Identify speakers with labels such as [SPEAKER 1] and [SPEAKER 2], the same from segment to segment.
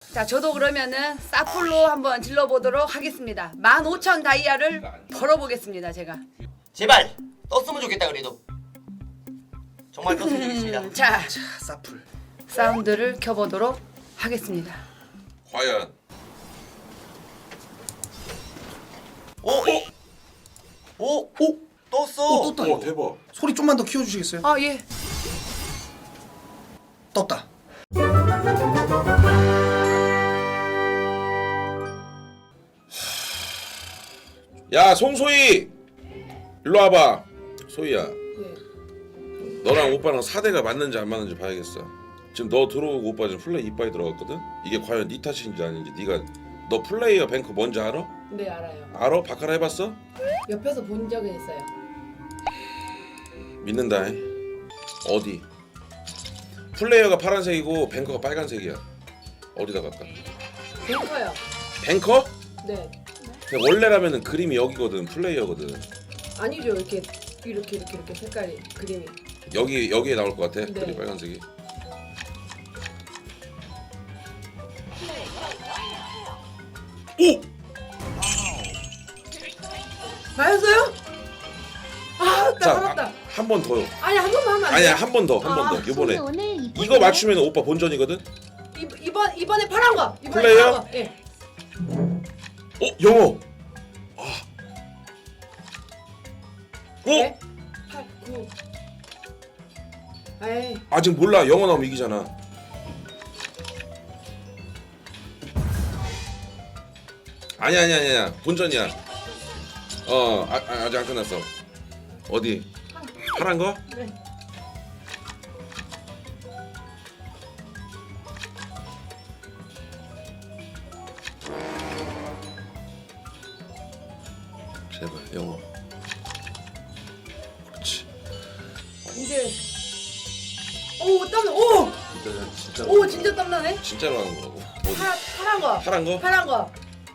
[SPEAKER 1] 자, 저도 그러면은 사풀로 한번 질러보도록 하겠습니다. 15,000 다이아를 벌어보겠습니다, 제가.
[SPEAKER 2] 제발 떴으면 좋겠다 그래도. 정말 떴으면 좋겠습니다.
[SPEAKER 1] 자,
[SPEAKER 3] 자, 사풀.
[SPEAKER 1] 사운드를 켜보도록 하겠습니다.
[SPEAKER 4] 과연
[SPEAKER 2] 오 떴어.
[SPEAKER 3] 떴다
[SPEAKER 4] 오
[SPEAKER 3] 이거.
[SPEAKER 4] 대박.
[SPEAKER 3] 소리 좀만 더 키워주시겠어요?
[SPEAKER 1] 아, 예.
[SPEAKER 3] 떴다.
[SPEAKER 4] 야 송소희 일로 와봐. 소희야 너랑 오빠랑 사대가 맞는지 안 맞는지 봐야겠어. 지금 너 들어오고 오빠 지금 플레이 이빠이 들어갔거든. 이게 과연 네 탓인지 아닌지. 네가 너 플레이어 뱅크 뭔지 알아?
[SPEAKER 5] 네 알아요.
[SPEAKER 4] 알아? 바카라 해봤어?
[SPEAKER 5] 옆에서 본 적은 있어요.
[SPEAKER 4] 믿는다. 어디? 플레이어가 파란색이고 뱅커가 빨간색이야. 어디다 갈까?
[SPEAKER 5] 뱅커요.
[SPEAKER 4] 뱅커?
[SPEAKER 5] 네.
[SPEAKER 4] 근데 원래라면은 그림이 여기거든. 플레이어거든.
[SPEAKER 5] 아니죠. 이렇게 색깔이 그림이.
[SPEAKER 4] 여기에 나올 것 같아.
[SPEAKER 5] 네.
[SPEAKER 4] 그림 빨간색이. 오!
[SPEAKER 5] 맞았어요? 아, 나
[SPEAKER 4] 자,
[SPEAKER 5] 살았다.
[SPEAKER 4] 한 번 더요.
[SPEAKER 5] 아니 한 번만 하면 안
[SPEAKER 4] 아니야,
[SPEAKER 5] 돼요?
[SPEAKER 4] 한 번 더. 한 번 더. 이번에
[SPEAKER 6] 오늘
[SPEAKER 4] 이거 맞추면 오빠 본전이거든.
[SPEAKER 5] 이번에 파란 거. 이번에
[SPEAKER 4] 플레이어?
[SPEAKER 5] 파란 거. 예.
[SPEAKER 4] 영어. 아.
[SPEAKER 5] 네? 8, 9. 에이.
[SPEAKER 4] 아직 몰라. 영어 나오면 이기잖아. 아니야. 본전이야. 아직 안 끝났어. 어디? 파란 거?
[SPEAKER 5] 네.
[SPEAKER 4] 제발 영어. 그렇지.
[SPEAKER 5] 이제 오 땀나. 오!
[SPEAKER 4] 진짜
[SPEAKER 5] 오 진짜 땀나네.
[SPEAKER 4] 진짜로 하는 거라고. 어디?
[SPEAKER 5] 파란 거.
[SPEAKER 4] 파란 거?
[SPEAKER 5] 파란 거.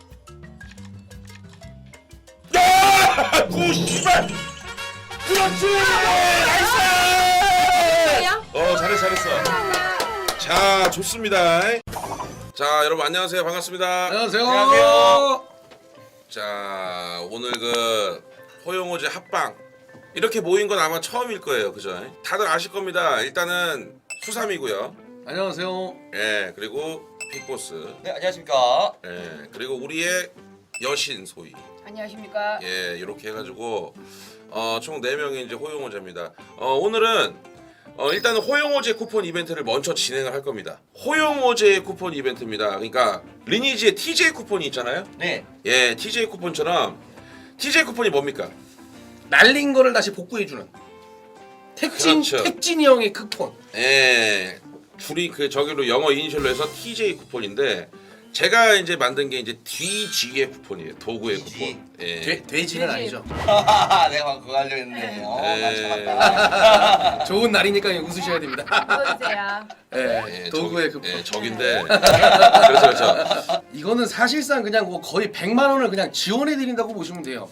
[SPEAKER 4] 야! 씨발! 그렇지! 나이스!
[SPEAKER 5] 뭐야?
[SPEAKER 4] 잘했어. 자, 좋습니다. 자, 여러분 안녕하세요. 반갑습니다.
[SPEAKER 3] 안녕하세요.
[SPEAKER 4] 자, 오늘 그 호영호제 합방 이렇게 모인 건 아마 처음일 거예요. 그죠? 다들 아실 겁니다. 일단은 수삼이고요.
[SPEAKER 3] 안녕하세요.
[SPEAKER 4] 예, 그리고 빅보스.
[SPEAKER 2] 네 안녕하십니까.
[SPEAKER 4] 예, 그리고 우리의 여신 소희.
[SPEAKER 1] 안녕하십니까?
[SPEAKER 4] 예, 이렇게 해가지고 총 4명이 이제 호영호제입니다. 오늘은 일단은 호영호제 쿠폰 이벤트를 먼저 진행을 할 겁니다. 호영호제 쿠폰 이벤트입니다. 그러니까 리니지의 TJ 쿠폰이 있잖아요.
[SPEAKER 2] 네.
[SPEAKER 4] 예, TJ 쿠폰처럼 TJ 쿠폰이 뭡니까?
[SPEAKER 3] 날린 거를 다시 복구해주는
[SPEAKER 4] 그렇죠.
[SPEAKER 3] 택진이 형의 쿠폰.
[SPEAKER 4] 예, 줄이 그 저기로 영어 이니셜로 해서 TJ 쿠폰인데 제가 이제 만든 게 이제 DG의 쿠폰이에요. 도구의
[SPEAKER 2] DG.
[SPEAKER 4] 쿠폰. 예.
[SPEAKER 3] 돼지는 아니죠.
[SPEAKER 2] 내가 방금 그거 하려고 했는데. 난
[SPEAKER 4] 예.
[SPEAKER 2] 참았다.
[SPEAKER 3] 좋은 날이니까 웃으셔야 됩니다.
[SPEAKER 1] 보여주세요.
[SPEAKER 3] 예, 도구의 쿠폰.
[SPEAKER 4] 예, 적인데. 그렇죠.
[SPEAKER 3] 이거는 사실상 그냥 뭐 거의 100만 원을 그냥 지원해 드린다고 보시면 돼요.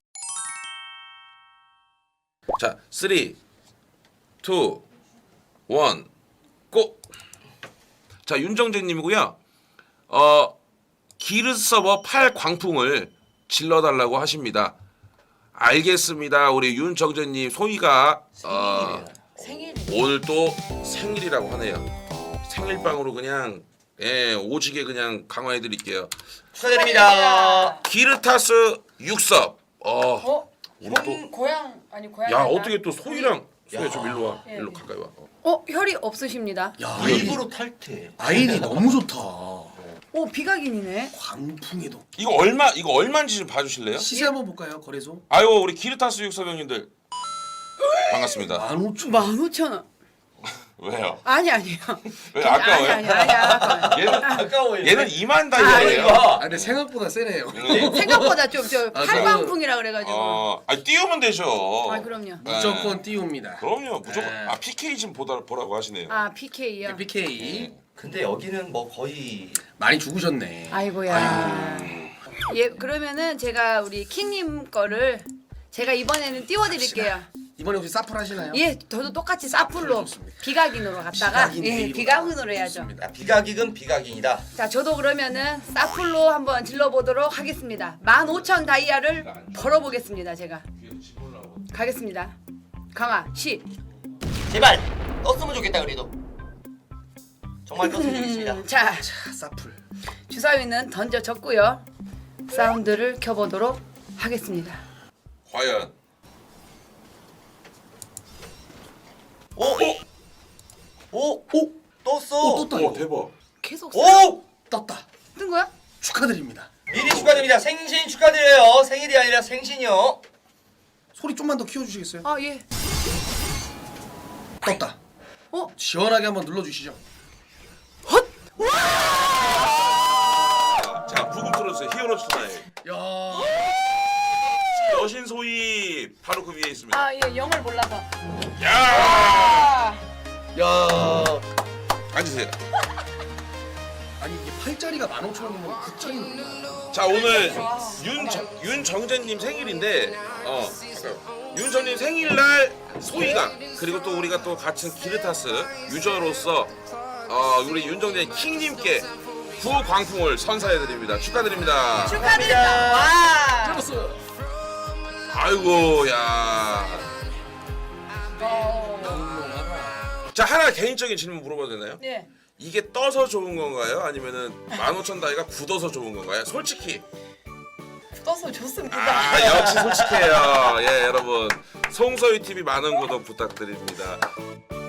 [SPEAKER 4] 자, 3, 2, 1, 고! 자, 윤정재님이고요. 기르 서버 8 광풍을 질러달라고 하십니다. 알겠습니다. 우리 윤정재님 소희가
[SPEAKER 5] 생일.
[SPEAKER 4] 오늘 또 생일이라고 하네요. 생일빵으로 그냥 오지게 그냥 강화해 드릴게요.
[SPEAKER 2] 축하드립니다.
[SPEAKER 4] 기르타스 6섭. 우리 또
[SPEAKER 1] 고향 아니 고향.
[SPEAKER 4] 야, 어떻게 또 소희랑 소희 좀 일로 와. 일로 가까이 와.
[SPEAKER 1] 혈이 없으십니다.
[SPEAKER 3] 야,
[SPEAKER 2] 일부러 탈퇴.
[SPEAKER 3] 아이디 너무 좋다.
[SPEAKER 1] 오, 비각인이네.
[SPEAKER 3] 광풍에도.
[SPEAKER 4] 이거 얼마인지 좀 봐주실래요?
[SPEAKER 3] 시세 한번 볼까요? 거래소.
[SPEAKER 4] 아유, 우리 기르타스 6섭 형님들 반갑습니다.
[SPEAKER 3] 15,000원.
[SPEAKER 1] 15,000원.
[SPEAKER 4] 왜요?
[SPEAKER 1] 아니에요.
[SPEAKER 4] 왜 아까워요?
[SPEAKER 1] 아니야.
[SPEAKER 4] 얘는
[SPEAKER 2] 아까워요.
[SPEAKER 4] 얘는 2만 달러예요.
[SPEAKER 3] 아 근데 생각보다 세네요.
[SPEAKER 1] 생각보다 좀
[SPEAKER 3] 아,
[SPEAKER 1] 팔광풍이라 그래가지고.
[SPEAKER 4] 아니 띄우면 되죠.
[SPEAKER 1] 아, 그럼요.
[SPEAKER 3] 무조건 띄웁니다.
[SPEAKER 4] 그럼요, 무조건.
[SPEAKER 3] 네.
[SPEAKER 4] PK 좀 보라고 하시네요.
[SPEAKER 1] 아, PK요.
[SPEAKER 3] PK
[SPEAKER 2] 근데 여기는 뭐 거의
[SPEAKER 3] 많이 죽으셨네.
[SPEAKER 1] 아이고야. 예, 그러면은 제가 우리 킹님 거를 제가 이번에는 띄워드릴게요.
[SPEAKER 3] 이번에 혹시 사풀 하시나요?
[SPEAKER 1] 예, 저도 똑같이 사풀로
[SPEAKER 3] 좋습니다.
[SPEAKER 1] 비각인으로 갔다가
[SPEAKER 3] 비각인
[SPEAKER 1] 예,
[SPEAKER 3] 데이로
[SPEAKER 1] 비각인으로 해야죠.
[SPEAKER 3] 좋습니다.
[SPEAKER 2] 야, 비각익은 비각인이다.
[SPEAKER 1] 자, 저도 그러면은 사풀로 한번 질러보도록 하겠습니다. 15,000 다이아를 벌어보겠습니다. 제가 가겠습니다. 강아 10.
[SPEAKER 2] 제발 떴으면 좋겠다 그래도. 정말 떴으면 좋겠습니다.
[SPEAKER 1] 자,
[SPEAKER 3] 자, 사풀.
[SPEAKER 1] 주사위는 던져졌고요. 사운드를 켜보도록 하겠습니다.
[SPEAKER 4] 과연
[SPEAKER 2] 오! 오!
[SPEAKER 3] 오!
[SPEAKER 2] 떴어.
[SPEAKER 3] 오, 떴다.
[SPEAKER 4] 오
[SPEAKER 3] 이거.
[SPEAKER 4] 대박.
[SPEAKER 1] 계속
[SPEAKER 2] 오!
[SPEAKER 3] 떴다.
[SPEAKER 1] 뜬 거야?
[SPEAKER 3] 축하드립니다.
[SPEAKER 2] 미리 축하드립니다. 생신 축하드려요. 생일이 아니라 생신이요.
[SPEAKER 3] 소리 좀만 더 키워주시겠어요?
[SPEAKER 1] 아, 예.
[SPEAKER 3] 떴다.
[SPEAKER 1] 어?
[SPEAKER 3] 시원하게 한번 눌러주시죠.
[SPEAKER 1] 헛!
[SPEAKER 4] 자 부금 틀어주세요. 히어로즈 투나잇.
[SPEAKER 3] 야.
[SPEAKER 4] 여신 소희 바로 그 위에 있습니다.
[SPEAKER 1] 아, 예, 영을 몰라서.
[SPEAKER 4] 야
[SPEAKER 3] 야.
[SPEAKER 4] 앉으세요.
[SPEAKER 3] 아니 이게 8짜리가 15,000원이면 9짜리.
[SPEAKER 4] 자 오늘 윤정재님 생일인데 윤정님 생일날 소희가 그리고 또 우리가 또 같은 기르타스 유저로서 우리 윤정재 킹님께 구광풍을 선사해드립니다. 축하드립니다.
[SPEAKER 1] 축하드립니다. 와.
[SPEAKER 3] 잡았어.
[SPEAKER 4] 아이고 야. 자 하나 개인적인 질문 물어봐도 되나요?
[SPEAKER 1] 네.
[SPEAKER 4] 이게 떠서 좋은 건가요? 아니면은 15,000 다이가 굳어서 좋은 건가요? 솔직히.
[SPEAKER 5] 떠서 좋습니다.
[SPEAKER 4] 아 역시 솔직해요. 예 여러분 송소희 TV 많은 구독 부탁드립니다.